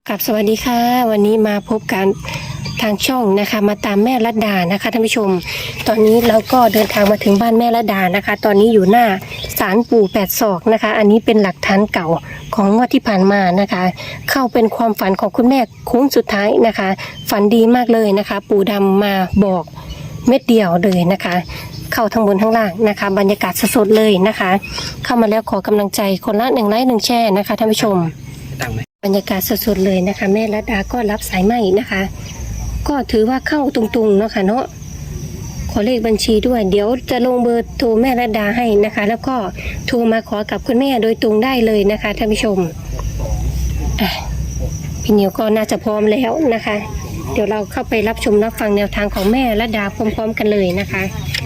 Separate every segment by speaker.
Speaker 1: กับสวัสดีค่ะวันนี้มาพบกันทางช่องนะคะมาตามแม่รัตดานะคะท่านผู้ชมตอนนี้เราก็เดินทางมาถึงบ้านแม่รัตดานะคะตอนนี้อยู่หน้าศาลปู่แปดศอกนะคะอันนี้เป็นหลักฐานเก่าของงวดที่ผ่านมานะคะเข้าเป็นความฝันของคุณแม่โค้งสุดท้ายนะคะฝันดีมากเลยนะคะปู่ดำมาบอกเม็ดเดียวเลยนะคะเข้าทั้งบนทั้งล่างนะคะบรรยากาศสดๆเลยนะคะเข้ามาแล้วขอกำลังใจคนละ1 ไลค์ 1 แชร์นะคะท่านผู้ชมบรรยากาศสดๆเลยนะคะแม่รัตดาก็รับสายใหม่นะคะก็ถือว่าเข้าตรงๆเนาะค่ะเนาะขอเลขบัญชีด้วยเดี๋ยวจะลงเบอร์โทรแม่รัตดาให้นะคะแล้วก็โทรมาขอกับคุณแม่โดยตรงได้เลยนะคะท่านผู้ชมพี่นิวก็น่าจะพร้อมแล้วนะคะเดี๋ยวเราเข้าไปรับชมรับฟังแนวทางของแม่รัตดาพร้อมๆกันเลยนะคะ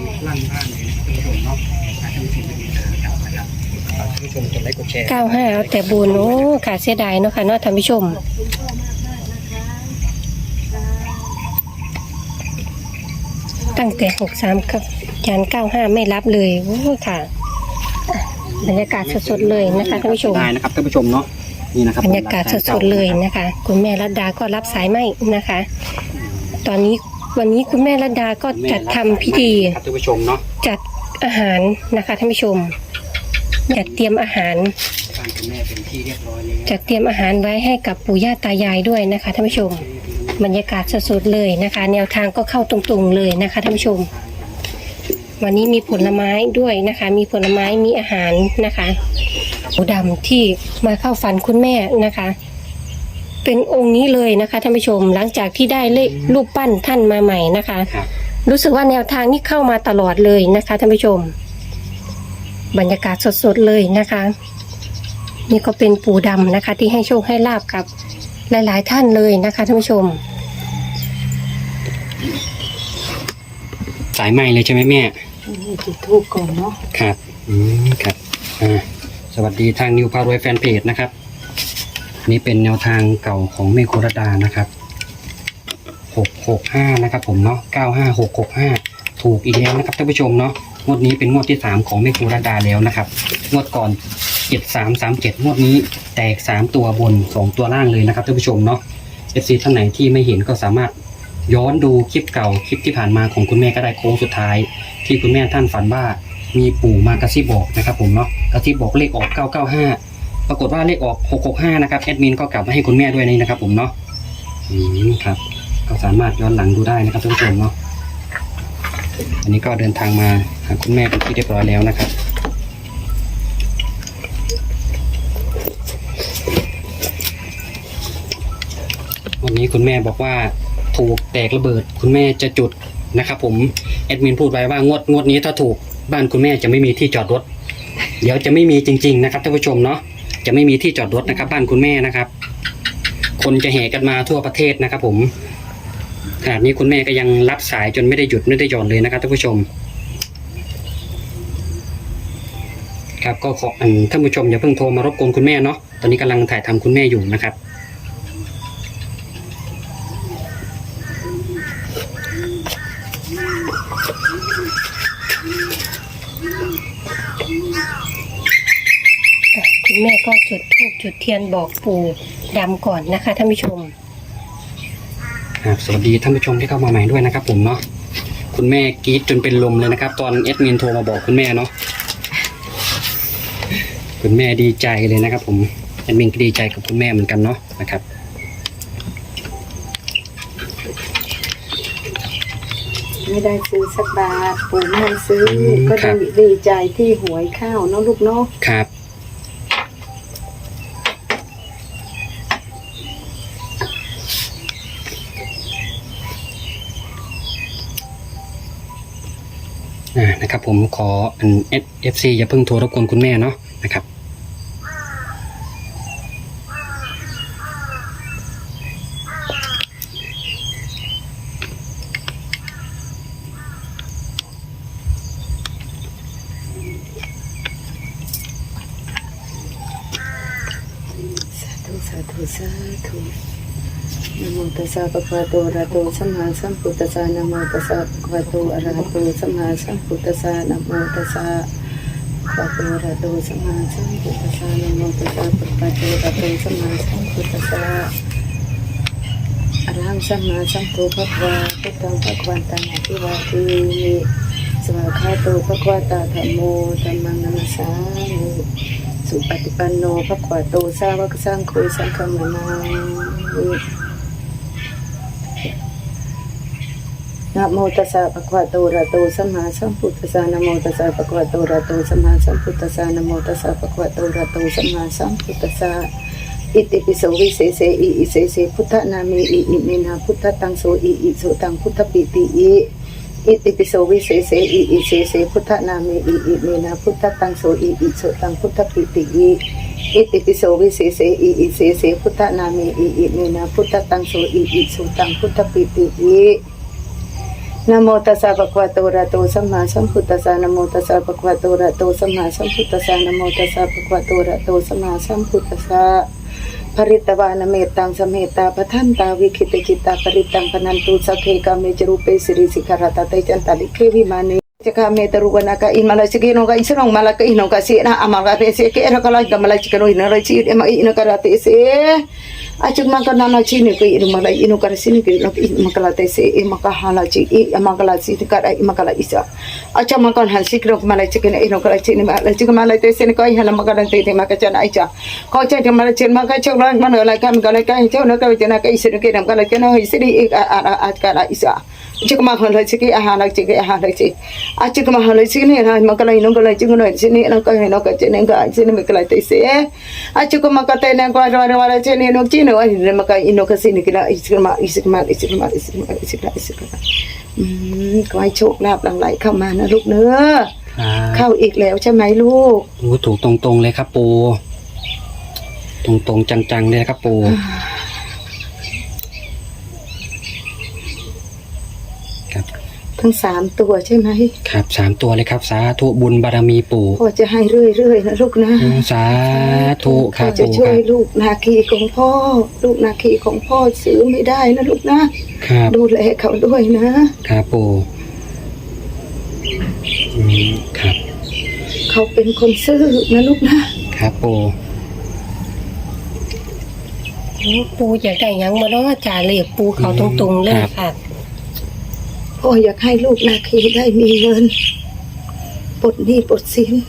Speaker 1: 95เอาแต่บุญโอ้ค่ะเสียดายเนาะค่ะเนาะท่านผู้ชมตั้งแต่63กับยัน95ไม่รับเลยโอ้ค่ะบรรยากาศสดๆเลยนะคะท่านผู้ชม
Speaker 2: ได้นะครับท่านผู้ชมเนาะนี่นะครับ
Speaker 1: บรรยากาศสดๆเลยนะคะคุณแม่รัตดาก็รับสายไม่นะคะตอนนี้วันนี้คุณแม่รัตดาก็จัดทำพิธี
Speaker 2: ท่านผู้ชมเนาะ
Speaker 1: จัดอาหารนะคะท่านผู้ชมจัดเตรียมอาหารจัดเตรียมอาหารไว้ให้กับปู่ย่าตายายด้วยนะคะท่านผู้ชมบรรยากาศสดๆเลยนะคะแนวทางก็เข้าตรงๆเลยนะคะท่านผู้ชมวันนี้มีผลไม้ด้วยนะคะมีผลไม้มีอาหารนะคะปู่ดำที่มาเข้าฝันคุณแม่นะคะเป็นองค์นี้เลยนะคะท่านผู้ชมหลังจากที่ได้เลขรูปปั้นท่านมาใหม่นะคะรู้สึกว่าแนวทางนี้เข้ามาตลอดเลยนะคะท่านผู้ชมบรรยากาศสดๆเลยนะคะนี่ก็เป็นปู่ดำนะคะที่ให้โชคให้ลาบกับหลายๆท่านเลยนะคะท่านผู้ชม
Speaker 2: สายใหม่เลยใช่ไหมแม่
Speaker 1: จุดธูปก่อนเนาะ
Speaker 2: ครับครับสวัสดีทางนิวพารวยแฟนเพจนะครับนี่เป็นแนวทางเก่าของแม่โครัตดานะครับ665นะครับผมเนาะ95665ถูกอีกแล้วนะครับท่านผู้ชมเนาะงวดนี้เป็นงวดที่3ของแม่โครัตดาแล้วนะครับงวดก่อน7337งวดนี้แตก3ตัวบน2ตัวล่างเลยนะครับท่านผู้ชมเนาะ FC ท่านไหนที่ไม่เห็นก็สามารถย้อนดูคลิปเก่าคลิปที่ผ่านมาของคุณแม่ก็ได้โค้งสุดท้ายที่คุณแม่ท่านฝันว่ามีปู่มากระซิบบอกนะครับผมเนาะกระซิบบอกเลขออก995ปรากฏว่าเลขออก665นะครับแอดมินก็กลับมาให้คุณแม่ด้วยนี่นะครับผมเนาะครับก็สามารถย้อนหลังดูได้นะครับท่านผู้ชมเนาะอันนี้ก็เดินทางมาหาคุณแม่เป็นที่เรียบร้อยแล้วนะครับวันนี้คุณแม่บอกว่าถูกแตกระเบิดคุณแม่จะจุดนะครับผมแอดมินพูดไว้ว่างวดนี้ถ้าถูกบ้านคุณแม่จะไม่มีที่จอดรถเดี๋ยวจะไม่มีจริงๆนะครับท่านผู้ชมเนาะจะไม่มีที่จอดรถนะครับบ้านคุณแม่นะครับคนจะแห่กันมาทั่วประเทศนะครับผมขณะนี้คุณแม่ก็ยังรับสายจนไม่ได้หยุดไม่ได้หย่อนเลยนะครับท่านผู้ชมครับก็ขอท่านผู้ชมอย่าเพิ่งโทรมารบกวนคุณแม่เนาะตอนนี้กำลังถ่ายทำคุณแม่อยู่นะครับ
Speaker 1: คุณแม่ก็จุดธูปจุดเทียนบอกปู่ดำก่อนนะคะท่านผู้ชม
Speaker 2: สวัสดีท่านผู้ชมที่เข้ามาใหม่ด้วยนะครับผมเนาะคุณแม่กรี๊ดจนเป็นลมเลยนะครับตอนแอดมินโทรมาบอกคุณแม่เนาะคุณแม่ดีใจเลยนะครับผมแอดมินก็ดีใจกับคุณแม่เหมือนกันเนาะนะครับ
Speaker 3: ไม่ได้ซื้อสักบาทปู่ไม่ให้ซื้อก็ดีใจที่หวยเข้าเนาะลูกเนาะ
Speaker 2: ครับนะครับผมขอFC อย่าเพิ่งโทรรบกวนคุณแม่เนาะนะครับ
Speaker 3: สาธุสาธุสาธุนะโมตัสสะภะคะวะโตอะระหะโตสัมมาสัมพุทธัสสะนะโมตัสสะภะคะวะโตอะระหะโตสัมมาสัมพุทธัสสะนะโมตัสสะภะคะวะโตอะระหะโตสัมมาสัมพุทธัสสะนะโมตัสสะภะคะวะโตอะระหะโตสัมมาสัมพุทธัสสะอะระหังสัมมาสัมพุทธัสสะพุทธังภะคะวันตังอภิวาเทมิสวากขาโตภะคะวะตาธัมโมธัมมังนัมสสามิสุปฏิปันโนภะคะวะโตสาวกสังโฆสังฆังนามามินะโมตัสสะภะคะวะโตอะระหะโตสัมมาสัมพุทธัสสะนะโมตัสสะภะคะวะโตอะระหะโตสัมมาสัมพุทธัสสะนะโมตัสสะภะคะวะโตอะระหะโตสัมมาสัมพุทธัสสะอิติปิโสวิเศษอิอิเสเสพุทธนามิอิอิเมนะพุทธตังโสอิอิโสตังพุทธปิติอิอิติปิโสวิเศษอิอิเสเสพุทธนามิอิอิเมนะพุทธตังโสอิอิโสตังพุทธปิติอิอิติปิโสวิเศษอิอิเสเสพุทธนามิอิอิเมนะพุทธตังโสอิอิโสตังพุทธปิติอินะโมตัสสะภะคะวะโตอะระหะโตสัมมาสัมพุทธัสสะนะโมตัสสะภะคะวะโตอะระหะโตสัมมาสัมพุทธัสสะนะโมตัสสะภะคะวะโตอะระหะโตสัมมาสัมพุทธัสสะภริตวานเมตตังสเมตตาปทันตาวิคิตจิตตาปริตังพนันตุสักเคกาเมจรูปเปสิริสิกขารตาเตจันตาลิเควิมานิจกาเมตรุวนาคาอิมาลาสิกิโนกาอิสรองมาลาคาอิโนกาสินะอามาลาเตเสเกะระกาลากามาลาจิกโนอินะราจิเอมาอินะกาลาเตเสajuk makana na chini ke iru mala inu kar sini ke lok makala te se e makahala chi e makala si kar e makala isa acha makan han sikro mala chicken inu kar chini mala chicken mala te se ko hala makala te te makachan aicha ko cha te mala chen maka chok la mana la kam kala ka chok na ka chena ka isiru ke nam kala chena isiri e a kala isa chicken makala chiki ahala chiki ahala chi acha makala chini ha makala inu kala chicken no chini na ka no ka chena ka chini makala te se acha makata na ko wala chini no chini no ay maka ino kasi ni kila isikma ขอให้โชคลาภหลั่งไหลเข้ามานะลูกเนื้อเข้าอีกแล้วใช่ไหมลูก
Speaker 2: โอ้ถูกตรงๆเลยครับปู่ตรงๆจังๆเลยครับปู่ครับ
Speaker 3: ทั้ง3ตัวใช่ไหม
Speaker 2: ครับ3ตัวเลยครับสาธุบุญบารมีปู่
Speaker 3: พ่อจะให้เรื่อยๆนะลูกนะ
Speaker 2: สาธุครับ
Speaker 3: จะช่วยลูกนาคีของพ่อลูกนาคีของพ่อซื้อไม่ได้นะลูกนะครับดูแลเขาด้วยนะครับ
Speaker 2: ปู่ครับ
Speaker 3: เขาเป็นคนซื่อนะลูกนะครับ
Speaker 2: ปู่
Speaker 1: ปูอยากได้ยังมาแล้วจ่าเรียกปูเขาตรงๆเลยค่ะ
Speaker 3: พ่ออยากให้ลูกนาคีได้มีเงินปลดหนี้ปลดสิน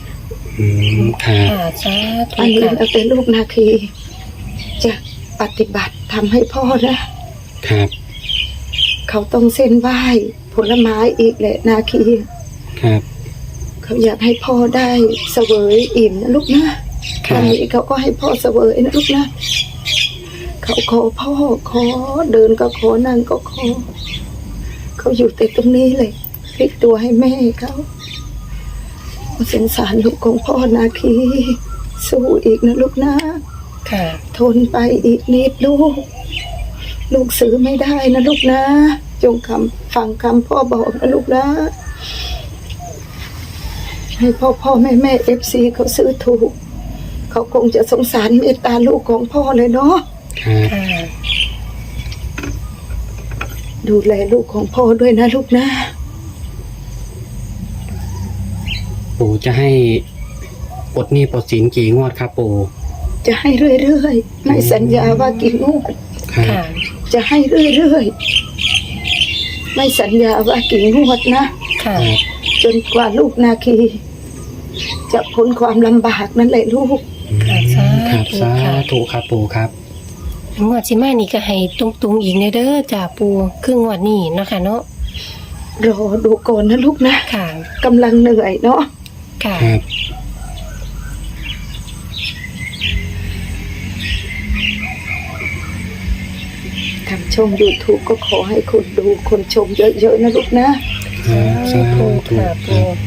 Speaker 3: อันนี้เราเป็นลูกนาคีจะปฏิบัติทำให้พ่อนะครับเขาต้องเส้นไหว้ผลไม้อีกแหละนาคี
Speaker 2: ครับ
Speaker 3: เขาอยากให้พ่อได้เสวยอิ่มนะลูกนะอันนี้เขาก็ให้พ่อเสวยนะลูกนะเขาขอพ่อขอเดินก็ขอนั่งก็ขอเขาอยู่แต่ตรงนี้เลยพลิกตัวให้แม่เขาสงสารลูกของพ่อนาคีสู้อีกนะลูกนะ
Speaker 1: ค่ะ
Speaker 3: ทนไปอีกนิดลูกซื้อไม่ได้นะลูกนะจงฟังคำพ่อบอกนะลูกนะให้พ่อแม่FCเขาซื้อถูกเขาคงจะสงสารเมตตาลูกของพ่อเลยเนาะดูแลลูกของพ่อด้วยนะลูกนะ
Speaker 2: ปู่จะให้ปลดหนี้ปลดสินกี่งวดครับปู่
Speaker 3: จะให้เรื่อยๆไม่สัญญาว่ากี่งวดจะให้เรื่อยๆไม่สัญญาว่ากี่งวดนะจนกว่าลูกนาคีจะพ้นความลำบากนั่นแหละลูก
Speaker 2: ครับสาธุครับปู่ครับ
Speaker 1: งวดสิมานี่ก็ให้ตรงๆอีกเด้อจ่าปูครึ่งงวดนี้เนาะค่ะเนาะ
Speaker 3: รอดูก่อนนะลูกนะ
Speaker 1: ค่ะ
Speaker 3: กำลังเหนื่อยเนาะ
Speaker 1: ค่ะ
Speaker 3: ทำช่อง YouTube ก็ขอให้คนดูคนชมเยอะๆนะลูกนะ
Speaker 2: สาธุครับ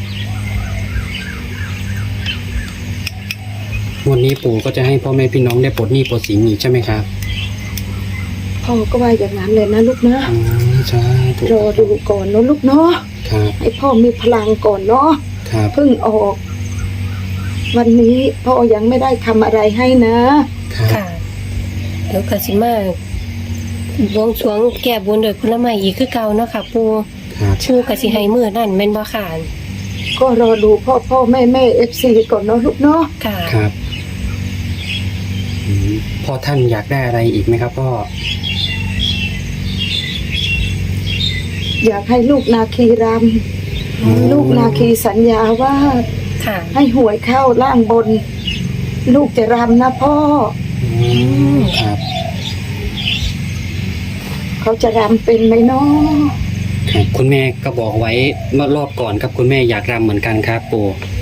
Speaker 2: วันนี้ปู่ก็จะให้พ่อแม่พี่น้องได้ปลดหนี้ปลดสินอีกใช่ไหมครับ
Speaker 3: พ่อก็ว่าอย่างนั้นเลยนะลูกนะ
Speaker 2: ใช่
Speaker 3: รอดูก่อนเนาะลูกเนาะให้พ่อมีพลังก่อนเนาะเพิ่งออกวันนี้พ่อยังไม่ได้ทำอะไรให้นะ
Speaker 1: ค่ะเดี๋ยวกสิมาบวงสรวงแก้บนโดยผลไม้อีกคือเก่าเนาะค่ะปู่กสิให้มื้อนั่นแม่นบ่ค่ะ
Speaker 3: ก็รอดูพ่อแม่ FC ก่อนเนาะลูกเนาะ
Speaker 1: ค่ะ
Speaker 2: ครับพ่อท่านอยากได้อะไรอีกไหมครับพ่อ
Speaker 3: อยากให้ลูกนาคีรำลูกนาคีสัญญาว่า
Speaker 1: ค่ะ
Speaker 3: ให้หวยเข้าล่างบน ลูกจะรำนะพ่อ
Speaker 2: ครับ
Speaker 3: เขาจะรำเป็นไหมเนาะ
Speaker 2: ครับคุณแม่ก็บอกไว้เมื่อรอบก่อนครับคุณแม่อยากรำเหมือนกันครับปู่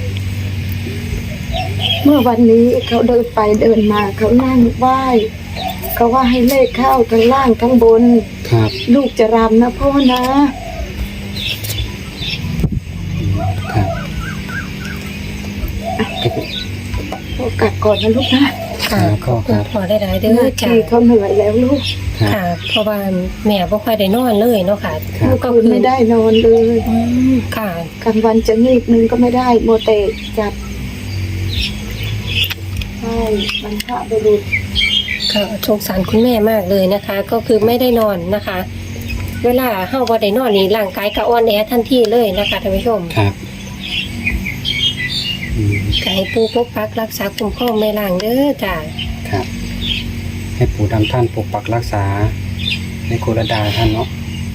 Speaker 3: เมื่อวันนี้เขาเดินไปเดินมาเขานั่งไหว้เขาว่าให้เลขเข้าทั้งล่างทั้งบน
Speaker 2: ครับ
Speaker 3: ลูกจะรำนะพ่อนะ
Speaker 2: ครับ
Speaker 3: พ่อกลับก่อนนะลูกนะ
Speaker 1: ค่ะ
Speaker 2: ก็
Speaker 1: ขอบคุณพ่อได้ๆเด้อ
Speaker 3: นา
Speaker 1: จ้ะ
Speaker 3: คีเขาเหนื่อยแล้วลูก
Speaker 2: ครับ
Speaker 1: ค่ะ เพราะว่าแม่บ่ค่อยได้นอนเลยเนาะค่ะ
Speaker 2: ครับ
Speaker 3: เมื่อคืนไม่ได้นอนเลย
Speaker 1: อืมค่ะ
Speaker 3: กลางวันจะงีบนึงก็ไม่ได้โมเตจับใช่มันพระบุรุษ
Speaker 1: ค่ะสงสารคุณแม่มากเลยนะคะ ก็คือไม่ได้นอนนะคะ เวลาเฮาบ่ได้นอนนี่ร่างกายก็อ่อนแอทันทีเลยนะคะท่านผู้ชม
Speaker 2: ครับอืม
Speaker 1: ก็ให้ปู่ปกปักรักษาคุ้มครองแม่ล่างเด้อจ้ะ
Speaker 2: ครับ ให้ปู่ดำท่านปกปักรักษาในโครดาท่านเนาะ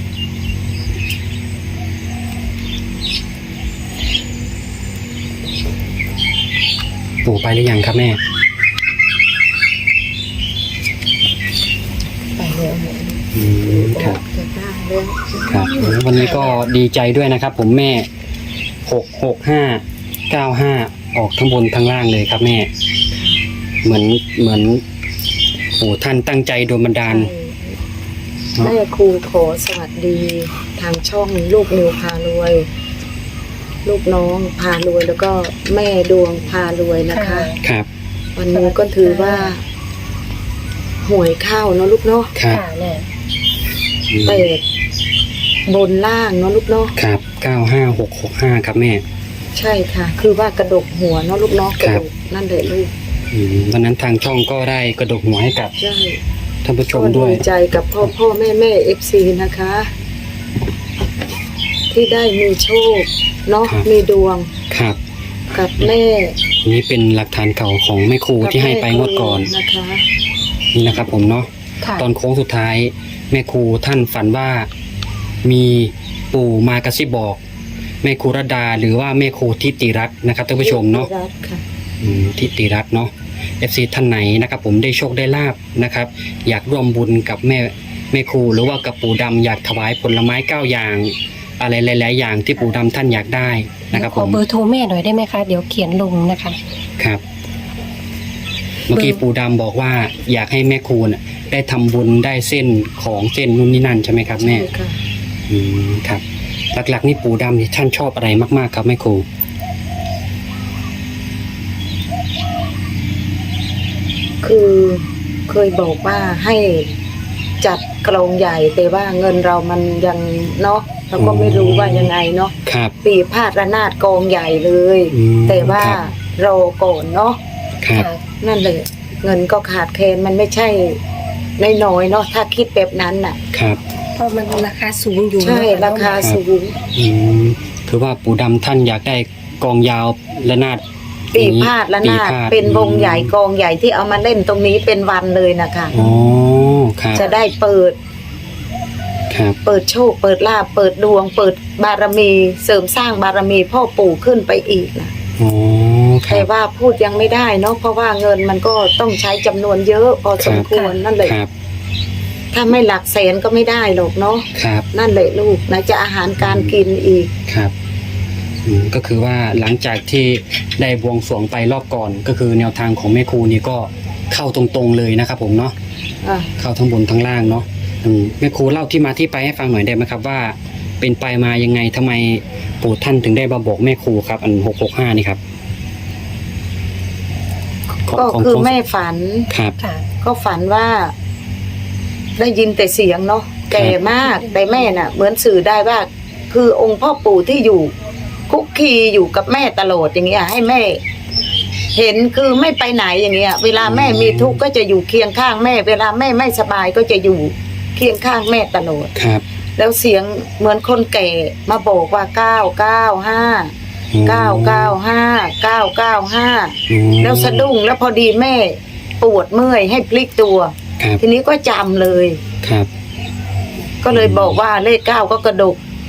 Speaker 2: ปู่ไปหรือยังครับแม่
Speaker 3: ไปแล้ว
Speaker 2: อืมครับ
Speaker 3: จะได้แล้ว
Speaker 2: ครับวันนี้ก็ดีใจด้วยนะครับ ผมแม่66595ออกทั้งบนทั้งล่างเลยครับแม่ เหมือนโอ้ท่านตั้งใจโดนบันดาล
Speaker 3: แม่ครูขอสวัสดีทางช่องลูกนิวพารวย ลูกน้องพารวยแล้วก็แม่ดวงพารวยนะคะ
Speaker 2: ครับ
Speaker 3: วันนี้ก็ถือว่าหวยเข้าเนาะลูกเนาะ
Speaker 2: ครับ
Speaker 1: ค่ะแม่
Speaker 2: อืม
Speaker 3: เป็ดบนล่างเนาะลูกเนาะ
Speaker 2: ครับ95665ครับแม่
Speaker 3: ใช่ค่ะ คือว่ากระดกหัวเนาะลูกเนาะกระ
Speaker 2: ครั
Speaker 3: ด
Speaker 2: บ
Speaker 3: กนั่นแหละลูก
Speaker 2: วันนั้นทางช่องก็ได้กระดกหัวให้กับ
Speaker 3: ใช่
Speaker 2: ท่านผู้ช
Speaker 3: ก็
Speaker 2: มด้
Speaker 3: ดี
Speaker 2: วย
Speaker 3: ใจกับพ่อแม่FC นะคะ ที่ได้มีโชคเนาะมีดวง
Speaker 2: ครับ
Speaker 3: กับแม่
Speaker 2: อันนี้เป็นหลักฐานเก่าของแม่ครูที่ให้ไปงวดก่อน
Speaker 3: นะคะ
Speaker 2: นี่นะครับผมเนาะ
Speaker 1: ค่ะ
Speaker 2: ตอนโค้งสุดท้ายแม่ครูท่านฝันว่ามีปู่มากระซิบบอกแม่ครูรดาหรือว่าแม่ครูทิติรัตน์นะครับท่านผู้ชมเนาะ
Speaker 3: รักค่ะ
Speaker 2: ทิติรัตน์เนาะ FC ท่านไหนนะครับผมได้โชคได้ลาบนะครับ อยากร่วมบุญกับแม่ครูหรือว่ากับปู่ดำอยากถวายผลไม้9อย่าง อะไรหลายๆอย่างที่ปู่ดำท่านอยากได้นะครับ
Speaker 1: ข
Speaker 2: ผ
Speaker 1: อ
Speaker 2: ม
Speaker 1: เบอร์โทรแม่หน่อยได้ไหมคะ เดี๋ยวเขียนลงนะคะ
Speaker 2: ครับ เมื่อกี้ปู่ดำบอกว่าอยากให้แม่ครูน่ะได้ทำบุญได้เส้นของเส้นนู่นนี่นั่นใช่ไหมครับแม่
Speaker 3: ใช่ค่ะ
Speaker 2: ครับ หลักๆนี่ปู่ดำนี่ท่านชอบอะไรมากๆครับแม่ครู
Speaker 3: คือเคยบอกว่าให้จัดกลองใหญ่แต่ว่าเงินเรามันยังเนาะเราก็ไม่รู้ว่ายังไงเนาะ
Speaker 2: ครับ
Speaker 3: ปีพาดระนาดกองใหญ่เลย แต่ว่า
Speaker 2: ครับ
Speaker 3: รอก่อนเนาะ
Speaker 2: ครับ
Speaker 3: นั่นเลยเงินก็ขาดแคลนมันไม่ใช่น้อยๆเนาะถ้าคิดแบบนั้นน่ะ
Speaker 2: ครับ
Speaker 1: เพราะมันราคาสูงอยู่
Speaker 3: ใช่
Speaker 1: เนอะ
Speaker 3: ราคาสูง
Speaker 2: คือว่าปู่ดำท่านอยากได้กองยาวระนาด
Speaker 3: ปีพาดระนาด
Speaker 2: ปีพาด
Speaker 3: เป็นวงใหญ่กองใหญ่ที่เอามาเล่นตรงนี้เป็นวันเลยนะคะ
Speaker 2: อ๋อครับ
Speaker 3: จะได้เปิด
Speaker 2: ครับ
Speaker 3: เปิดโชค เปิดลาภเปิดดวง เปิดบารมี เสริมสร้างบารมีพ่อปู่ขึ้นไปอีกนะ
Speaker 2: อ๋อครั
Speaker 3: แต่
Speaker 2: บ
Speaker 3: ว่าพูดยังไม่ได้เนาะเพราะว่าเงินมันก็ต้องใช้จำนวนเยอะพอสมควรนั่นแหละ
Speaker 2: ครับ
Speaker 3: ถ้าไม่หลักแสนก็ไม่ได้หรอกเนาะ
Speaker 2: ครับ
Speaker 3: นั่นแหละลูกนะจะอาหารการกินอีก
Speaker 2: ครับก็คือว่าหลังจากที่ได้บวงสรวงไปรอบก่อน ก็คือแนวทางของแม่ครูนี่ก็เข้าตรงๆเลยนะครับผมเนาะ
Speaker 3: อ่ะ
Speaker 2: เข้าทั้งบนทั้งล่างเนาะแม่ครูเล่าที่มาที่ไปให้ฟังหน่อยได้ไหมครับว่า เป็นไปมายังไงทำไมปู่ท่านถึงได้มาบอกแม่ครูครับอัน665นี่ครับขง
Speaker 3: ก็
Speaker 2: ของ
Speaker 3: คือ
Speaker 2: ของ
Speaker 3: แม่ฝัน
Speaker 2: ครับ
Speaker 1: ค่ะ
Speaker 3: ก็ฝันว่า ได้ยินแต่เสียงเนาะแก่มากแต่แม่น่ะ เหมือนสื่อได้ว่า คือองค์พ่อปู่ที่อยู่คุกคีอยู่กับแม่ตลอดอย่างเงี้ย ให้แม่ เห็นคือไม่ไปไหนอย่างเงี้ย เวลาแม่มีทุกข์ก็จะอยู่เคียงข้างแม่ เวลาแม่ไม่สบายก็จะอยู่เคียงข้างแม่ตลอด
Speaker 2: ครับ
Speaker 3: แล้วเสียงเหมือนคนแก่มาบอกว่า995 995 แล้วสะดุ้งแล้วพอดีแม่ปวดเมื่อยให้พลิกตัว
Speaker 2: ครับ
Speaker 3: ทีนี้ก็จำเลย
Speaker 2: ครับ
Speaker 3: ก็เลยบอกว่าเลข9ก็กระดก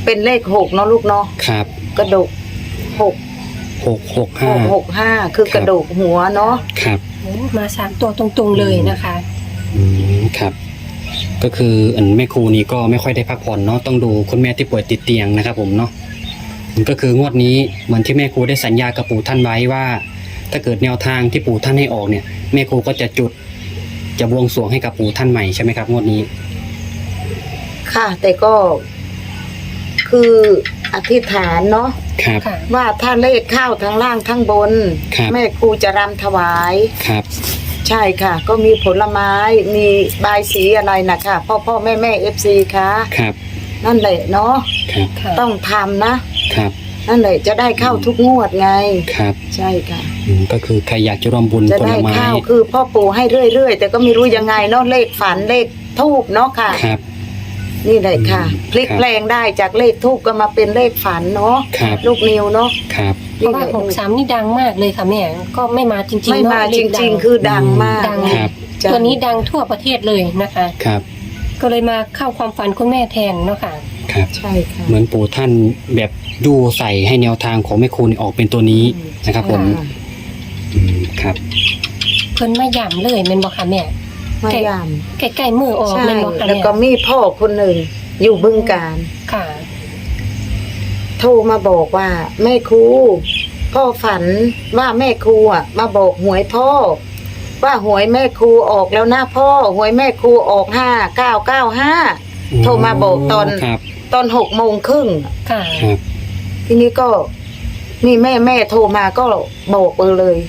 Speaker 3: เป็นเลข6เนาะลูกเนาะ
Speaker 2: ครับ
Speaker 3: กระดูก6
Speaker 2: 665
Speaker 3: 665คือกระดูกหัวเนาะ
Speaker 2: ครับ
Speaker 1: โอ้มา3ตัวตรงๆเลยนะคะ
Speaker 2: ครับ ก็คือแม่ครูนี่ก็ไม่ค่อยได้พักผ่อนเนาะต้องดูคุณแม่ที่ป่วยติดเตียงนะครับผมเนาะก็คืองวดนี้เหมือนที่แม่ครูได้สัญญากับปู่ท่านไว้ว่า ถ้าเกิดแนวทางที่ปู่ท่านให้ออกเนี่ยแม่ครูก็จะบวงสรวงให้กับปู่ท่านใหม่ใช่ไหมครับงวดนี้
Speaker 3: ค่ะ แต่ก็คืออธิษฐานเนาะ
Speaker 2: ครับ
Speaker 1: ค่ะ
Speaker 3: ว่าถ้าเลขเข้าทั้งล่างทั้งบน
Speaker 2: ครับ
Speaker 3: แม่ครูจะรำถวาย
Speaker 2: ครับ
Speaker 3: ใช่ค่ะ ก็มีผลไม้มีบายสีอะไรนะคะพ่อแม่ FC ค่ะ
Speaker 2: ครับ
Speaker 3: นั่นแหละเนาะ
Speaker 2: ครับ
Speaker 1: ค่ะ
Speaker 3: ต้องทำนะครับ นั่นแหละจะได้เข้าทุกงวดไง
Speaker 2: ครับ
Speaker 3: ใช่ค่ะ
Speaker 2: ก็คือใครอยากจะร่วมบุญ
Speaker 3: จะ
Speaker 2: ผล
Speaker 3: ได้
Speaker 2: ไม้
Speaker 3: เข้าคือพ่อปู่ให้เรื่อยๆแต่ก็ไม่รู้ยังไงเนาะเลขฝันเลขทูบเนาะค่ะ
Speaker 2: ครับ
Speaker 3: นี่เลยค่ะ พลิก
Speaker 2: ครับ
Speaker 3: แปลงได้จากเลขทูบก็มาเป็นเลขฝันเนาะ
Speaker 2: ครับ
Speaker 3: ลูกนิวเนาะ
Speaker 2: ครับ
Speaker 1: เพราะว่า63นี่ดังมากเลยค่ะแม่ก็ไม่มาจริงๆ
Speaker 3: ไม่มา
Speaker 1: เนะเล
Speaker 3: จ
Speaker 1: ขดั
Speaker 3: ริงๆ คือดังมาก
Speaker 1: ดัง
Speaker 2: ครับ
Speaker 3: จ้ะ
Speaker 1: ตัวนี้ดังทั่วประเทศเลยนะคะ
Speaker 2: ครับ
Speaker 1: ก็เลยมาเข้าความฝันคุณแม่แทนเนาะค่ะ
Speaker 2: ครับ
Speaker 3: ใช่ค่ะ
Speaker 2: เหมือนปู่ท่านแบบดูใส่ให้แนวทางของแม่ครูนี่ออกเป็นตัวนี้นะครับผม
Speaker 3: ค่ะ
Speaker 2: ครับ
Speaker 1: เพิ่นมาย่ำเลยแม่นบ่ค่ะแม่
Speaker 3: มายาม
Speaker 1: ใกล้ๆมือออก
Speaker 3: ใช่
Speaker 1: แม่นบ่ค่ะ
Speaker 3: แล้ว
Speaker 1: แม่
Speaker 3: ก็มีพ่อคนหนึ่งอยู่บึงการ
Speaker 1: ค่ะ
Speaker 3: โทรมาบอกว่าแม่ครูพ่อฝันว่าแม่ครูอ่ะมาบอกหวยพ่อว่าหวยแม่ครูออกแล้วนะพ่อหวยแม่ครูออก5995 โทรมาบอกตอน
Speaker 2: ครับ
Speaker 3: 6:30
Speaker 1: ค่ะ
Speaker 2: ครับ
Speaker 3: ทีนี้ก็นี่แม่โทรมาก็บอกเลย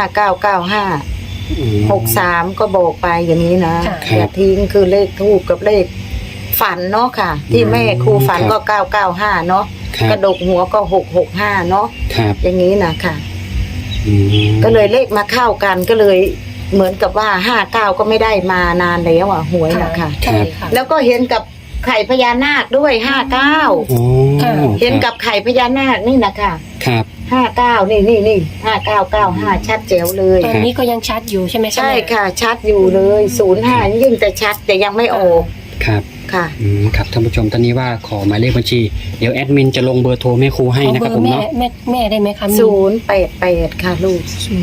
Speaker 3: 5995 63ก็บอกไปอย่างนี้นะ
Speaker 1: ค่ะ
Speaker 3: อย่าทิ้งคือเลขทูบกับเลขฝันเนาะค่ะ ที่แม่ครูฝันก็995เนาะ
Speaker 2: ครับ
Speaker 3: กระดกหัวก็665เนาะ
Speaker 2: ครับ
Speaker 3: อย่างนี้นะค่ะ
Speaker 2: อืม
Speaker 3: ก็เลยเลขมาเข้ากันก็เลยเหมือนกับว่า59ก็ไม่ได้มานานแล้วอ่ะหวยนะค่ะ
Speaker 1: ใช่ค่ะ
Speaker 3: แล้วก็เห็นกับไข่พญานาคด้วย59
Speaker 2: โอ้
Speaker 1: ค่ะ
Speaker 3: เห็นกับไข่พญานาคนี่นะค่ะ
Speaker 2: ครับ
Speaker 3: 59นี่5995ชัดแจ๋วเลย
Speaker 1: ตอนนี้ก็ยังชัดอยู่ใช่ไหมคะ
Speaker 3: ใช่
Speaker 1: แม่
Speaker 3: ค่ะชัดอยู่เลย05ยิ่งแต่ชัดแต่ยังไม่ออก
Speaker 2: ครับ
Speaker 3: ค่ะ
Speaker 2: ครับท่านผู้ชมตอนนี้ว่าขอหมายเลขบัญชี เดี๋ยวแอดมินจะลงเบอร์โทรแม่ครูให้
Speaker 1: เอา
Speaker 2: นะ
Speaker 1: เบ
Speaker 2: ค
Speaker 1: อ
Speaker 2: รับผม
Speaker 1: ร์แม่
Speaker 2: เนาะ
Speaker 1: แม่ได้ไหมคะมี
Speaker 3: 088ค่ะลูก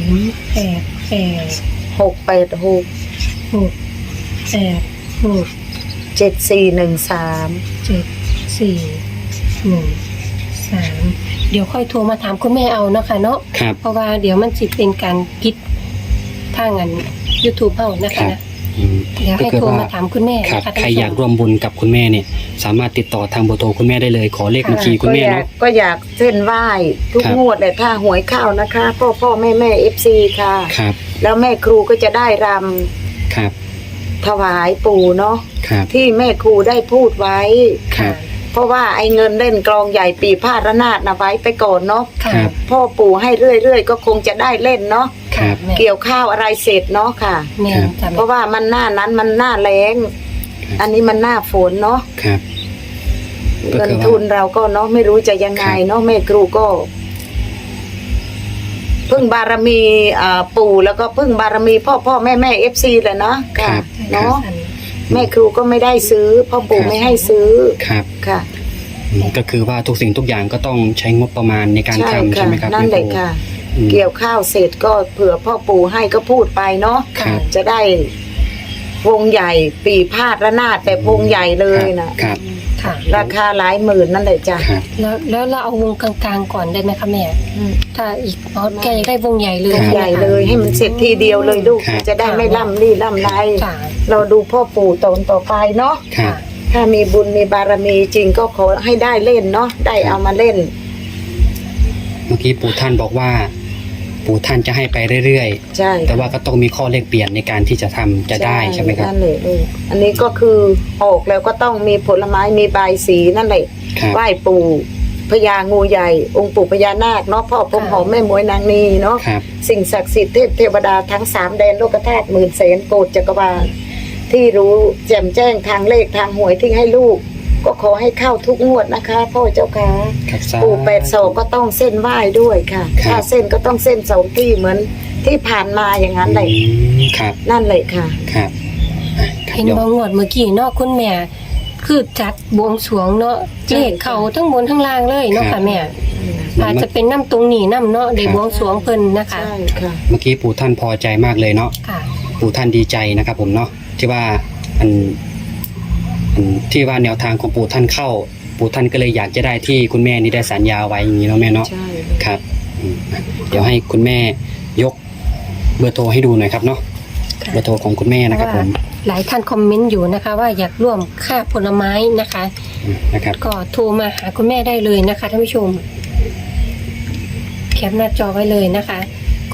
Speaker 1: 088
Speaker 3: 686
Speaker 1: 686
Speaker 3: 7413
Speaker 1: 7413เดี๋ยวค่อยโทรมาถามคุณแม่เอาเนาะค่ะเนาะ
Speaker 2: ครับ
Speaker 1: เพราะว่าเดี๋ยวมันสิเป็นการพิดทางอัน YouTube เฮานะ
Speaker 2: ครั
Speaker 1: คะ
Speaker 2: บ
Speaker 1: นะ
Speaker 2: อืม
Speaker 1: เดี๋ยว
Speaker 2: ก็
Speaker 1: ให้
Speaker 2: คือ
Speaker 1: โทร
Speaker 2: ว่า
Speaker 1: มาถามคุณแม่
Speaker 2: ครับ
Speaker 1: นะคะ
Speaker 2: ใครอยากร่วมบุญกับคุณแม่เนี่ย สามารถติดต่อทางเบอร์โทรคุณแม่ได้เลย ขอเลขบัญชีคุณแม่เนาะ
Speaker 3: ก็อยากเส้นไหว้ทุก
Speaker 2: ครับ
Speaker 3: งวดเลยถ้าหวยเข้านะคะพ่อแม่ FC ค่ะ
Speaker 2: ครับ
Speaker 3: แล้วแม่ครูก็จะได้ร
Speaker 2: ครับ
Speaker 3: ำถวายปู่เนาะ
Speaker 2: ครับ
Speaker 3: ที่แม่ครูได้พูดไว้
Speaker 2: ครับ
Speaker 3: เพราะว่าไอ้เงินเล่นกลองใหญ่ปีพาดระนาดนะไว้ไปก่อนเนาะ
Speaker 1: ค่ะ
Speaker 2: ครับ
Speaker 3: พ่อปู่ให้เรื่อยๆก็คงจะได้เล่นเนาะ
Speaker 2: ครับ
Speaker 1: แม่
Speaker 3: เกี่ยวข้าวอะไรเสร็จเนาะค่ะ
Speaker 1: แม่จ้ะ
Speaker 3: เพราะว่ามันหน้านั้นมันหน้าแรงอันนี้มันหน้าฝนเนาะ
Speaker 2: ครับ ก็
Speaker 3: เงิน
Speaker 2: คือว่า
Speaker 3: ทุนเราก็เนาะไม่รู้จะยังไงเนาะแม่ครูก็พึ่งบารมีปู่แล้วก็พึ่งบารมีพ่อแม่ FC แหละเนาะค่ะ เนาะแม่ครูก็ไม่ได้ซื้อพ่อปู่ไม่ให้ซื้อ
Speaker 2: ครับ
Speaker 3: ค่ะ
Speaker 2: ก็คือว่าทุกสิ่งทุกอย่างก็ต้องใช้งบประมาณในการทำใช่ไหมครับ
Speaker 3: นั่นแหละ
Speaker 2: แม่ครู
Speaker 3: ค่ะ
Speaker 2: อืม
Speaker 3: เกี่ยวข้าวเสร็จก็เผื่อพ่อปู่ให้ก็พูดไปเนาะ
Speaker 2: ครับ
Speaker 3: จะได้วงใหญ่ปีพาดระนาดแต่วงใหญ่เลยนะครับ
Speaker 1: ค่ะ
Speaker 3: ราคาหลายหมื่นนั่นแหละจ้ะ
Speaker 2: ครับ
Speaker 1: แล้วเราเอาวงกลางๆก่อนได้ไหมคะแม่
Speaker 3: อืม
Speaker 1: ถ้าอีกแกอยากได้วงใหญ่เลยว
Speaker 3: งใหญ่เลยให้มันเสร็จทีเดียวเลยลูก
Speaker 2: ครับ
Speaker 3: จะได้ไม่ล่ำรี่ล่ำไร
Speaker 1: ค่ะ
Speaker 3: เราดูพ่อปู่ตนต่อไปเนาะ
Speaker 2: ครับ
Speaker 3: ถ้ามีบุญมีบารมีจริงก็ขอให้ได้เล่นเนาะได้เอามาเล่น
Speaker 2: เมื่อกี้ปู่ท่านบอกว่า ปู่ท่านจะให้ไปเรื่อย
Speaker 3: ใช่
Speaker 2: ๆ แต่ว่าก็ต้องมีข้อเลขเปลี่ยนในการที่จะทำจะได้ใช่ไหมครับ
Speaker 3: นั่นแหละลูกอันนี้ก็คือออกแล้วก็ต้องมีผลไม้มีใบายสีนั่นแหละ
Speaker 2: ครับ
Speaker 3: ไหว้ปู่พญางูใหญ่ องค์ปู่พญานาคเนาะพ่อพรหมหอมแม่มวยนางนีเนาะ
Speaker 2: ครับ
Speaker 3: สิ่งศักดิ์สิทธิ์เทวดาทั้ง3แดนโลกธาตุหมื่นแสนโกฏจักรวาลที่รู้แจ่มแจ้งทางเลขทางหวยที่ให้ลูก ก็ขอให้เข้าทุกงวดนะคะ พ่อเจ้าค่ะ
Speaker 2: ครับสา
Speaker 3: ปู่82ก็ต้องเส้นไหว้ด้วยค่ะ
Speaker 2: ครับ
Speaker 3: ถ้าเส้นก็ต้องเส้น2ที่เหมือนที่ผ่านมาอย่างนั้นเลย
Speaker 2: ครับ
Speaker 3: นั่นเลยค่ะ
Speaker 2: ครับอ่ะครับ
Speaker 1: เห็น
Speaker 2: เดี๋ยว
Speaker 1: บางงวดเมื่อกี้เนอกคุณแม่คือจัดบวงสรวงเนาะเลขเขาทั้งบนทั้งล่างเลยเนาะค่ะแม่อาจจะเป็นน้ำตรงนี้น้ำเนาะได้บวงสรวงเพิ่นนะคะ
Speaker 3: ใช่ค่ะ
Speaker 2: เมื่อกี้ปู่ท่านพอใจมากเลยเนาะ
Speaker 1: ค่ะ
Speaker 2: ปู่ท่านดีใจนะครับผมเนาะที่ว่าอันที่ว่าแนวทางของปู่ท่านเข้า ปู่ท่านก็เลยอยากจะได้ที่คุณแม่นี่ได้สัญญาไว้อย่างนี้เนาะแม่เนาะ
Speaker 3: ใช่
Speaker 2: ครับเดี๋ยวให้คุณแม่ยกเบอร์โทรให้ดูหน่อยครับเนาะเบอร์โทรของคุณแม่นะครับผม
Speaker 1: หลายท่านคอมเมนต์อยู่นะคะ ว่าอยากร่วมค่าผลไม้นะคะ
Speaker 2: นะครับ
Speaker 1: ก็โทรมาหาคุณแม่ได้เลยนะคะท่านผู้ชมแคปหน้าจอไว้เลยนะคะก็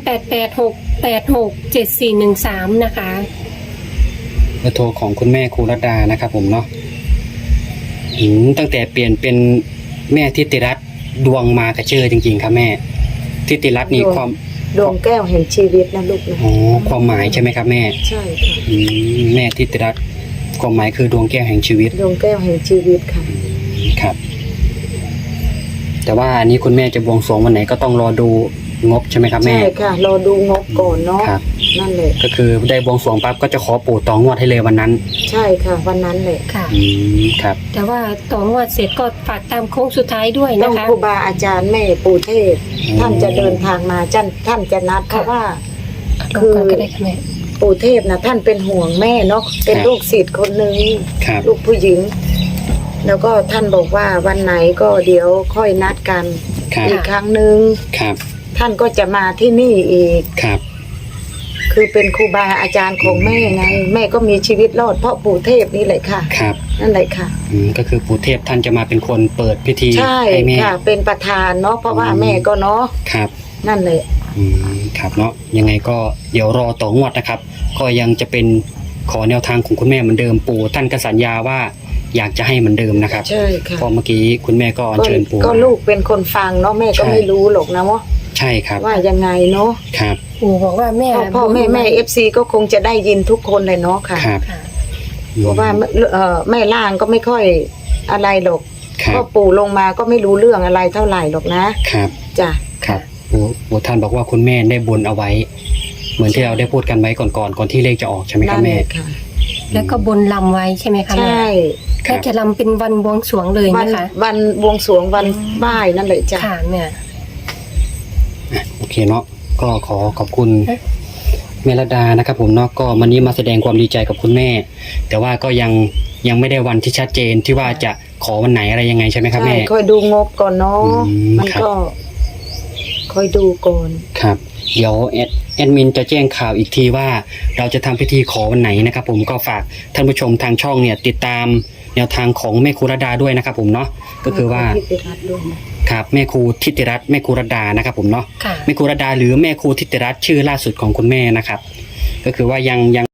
Speaker 1: 0886867413นะคะ
Speaker 2: เบอร์โทรของคุณแม่ครูรัตดานะครับผมเนาะตั้งแต่เปลี่ยนเป็นแม่ทิติรัตน์ดวงมากระเชื่อจริงๆครับแม่ทิติรัตน์นี่ความ
Speaker 3: ดวงแก้วแห่งชีวิตนะลูกนะ
Speaker 2: อ๋อความหมายใช่ไหมครับแม่
Speaker 3: ใช่ค่ะ
Speaker 2: แม่ทิติรัตน์ความหมายคือดวงแก้วแห่งชีวิต
Speaker 3: ดวงแก้วแห่งชีวิตค่ะ
Speaker 2: ครับ แต่ว่าอันนี้คุณแม่จะบวงสรวงวันไหนก็ต้องรอดูงบใช่ไหมครับแม่
Speaker 3: ใช่ค่ะรอดูงบก่อนเนาะ
Speaker 2: ครับ
Speaker 3: นั่นแหละ
Speaker 2: ก็คือได้บวงสรวงปั๊บก็จะขอปู่ต่องวดให้เลยวันนั้น
Speaker 3: ใช่ค่ะ วันนั้นแหละ
Speaker 1: ค่ะ
Speaker 2: ครับ
Speaker 1: แต่ว่าต่องวดเสร็จก็ฝากตามโค้งสุดท้ายด้วย
Speaker 3: ต้อ
Speaker 1: นะ
Speaker 3: ง
Speaker 1: คะ
Speaker 3: ครูบาอาจารย์แม่ปู่เทพท่านจะเดินทางมาท่านจะนัดเพราะว่า
Speaker 1: ลงก่อนก็ได้ค่ะแม่
Speaker 3: ปู่เทพนะท่านเป็นห่วงแม่เนาะเป็นลูกศิษย์คนหนึ่ง
Speaker 2: ครับ
Speaker 3: ลูกผู้หญิง แล้วก็ท่านบอกว่าวันไหนก็เดี๋ยวค่อยนัดกัน
Speaker 2: ครับ
Speaker 3: อีกครั้งหนึ่ง
Speaker 2: ครับ
Speaker 3: ท่านก็จะมาที่นี่อีก
Speaker 2: ครับ
Speaker 3: คือเป็นครูบาอาจารย์ของแม่ไง แม่ก็มีชีวิตรอดเพราะปู่เทพนี่แหละค่ะ
Speaker 2: ครับ
Speaker 3: นั่นแหละค่ะ
Speaker 2: ก็คือปู่เทพท่านจะมาเป็นคนเปิดพิธี
Speaker 3: ใช่
Speaker 2: ให้แม่
Speaker 3: ค่ะ เป็นประธานเนาะเพราะว่า
Speaker 2: อืม
Speaker 3: แม่ก็เนาะ
Speaker 2: ครับ
Speaker 3: นั่นแหละ
Speaker 2: ครับเนาะยังไงก็เดี๋ยวรอต่องวดนะครับ ก็ยังจะเป็นขอแนวทางของคุณแม่เหมือนเดิมปู่ท่านก็สัญญาว่าอยากจะให้เหมือนเดิมนะครับ
Speaker 3: ใช่ค่ะ
Speaker 2: เพอเมื่อกี้คุณแม่ก็อัญเชิญปู่
Speaker 3: ก็ลูกเป็นคนฟังเนาะแม่ก็
Speaker 2: ใช่
Speaker 3: ไม่รู้หรอกนะว่า
Speaker 2: ใช่ครับ
Speaker 3: ว่ายังไงเนาะ
Speaker 2: ครับ
Speaker 1: ปู่บอกว่าแม่
Speaker 3: พ่อแม่เอฟซีก็คงจะได้ยินทุกคนเลยเนาะค่ะ
Speaker 2: ครับ
Speaker 1: ค่ะ
Speaker 3: เพราะว่าแม่ล่างก็ไม่ค่อยอะไรหรอก
Speaker 2: ครับ
Speaker 3: ก็ปู่ลงมาก็ไม่รู้เรื่องอะไรเท่าไหร่หรอกนะครับ จ้ะ
Speaker 2: ครับปู่ท่านบอกว่าคุณแม่ได้บนเอาไว้ เหมือนที่เราได้พูดกันไว้ก่อนที่เลขจะออกใช่ไหมครับ
Speaker 3: นั่น
Speaker 2: แม่
Speaker 3: แหละค่ะ
Speaker 1: แล้วก็บนลำไว้ใช่ไหมคะ
Speaker 3: ใช
Speaker 1: แม่
Speaker 3: ่
Speaker 2: ครั
Speaker 1: น่า
Speaker 2: บ
Speaker 1: จะลำเป็นวันบวงสรวงเลย
Speaker 3: วัน
Speaker 1: นะคะ
Speaker 3: วันบวงสรวงวันไหว้นั่นแหละจ้ะ
Speaker 1: ค่ะแม่
Speaker 2: โอเคเนาะก็ขอขอบคุณแม่ระดานะครับผมเนาะก็วันนี้มาแสดงความดีใจกับคุณแม่ แต่ว่าก็ยังไม่ได้วันที่ชัดเจนที่ว่าจะขอวันไหนอะไรยังไงใช่ไหมครับ
Speaker 3: ใช่
Speaker 2: แม่
Speaker 3: คอยดูงบก่อนเนาะ มัน
Speaker 2: ครับ
Speaker 3: ก็คอยดูก่อน
Speaker 2: ครับเดี๋ยวแอดมินจะแจ้งข่าวอีกทีว่าเราจะทำพิธีขอวันไหนนะครับผมก็ฝากท่านผู้ชมทางช่องเนี่ยติดตามแนวทางของแม่ครูระดาด้วยนะครับผมเนาะก็คือว่า
Speaker 3: พิธีรัตน์ด้วยนะครับ
Speaker 2: แม่ครูทิติรัตน์แม่ครูระดานะครับผมเนาะ
Speaker 1: ค่ะ
Speaker 2: แม่ครูระดาหรือแม่ครูทิติรัตน์ชื่อล่าสุดของคุณแม่นะครับ ก็คือว่ายัง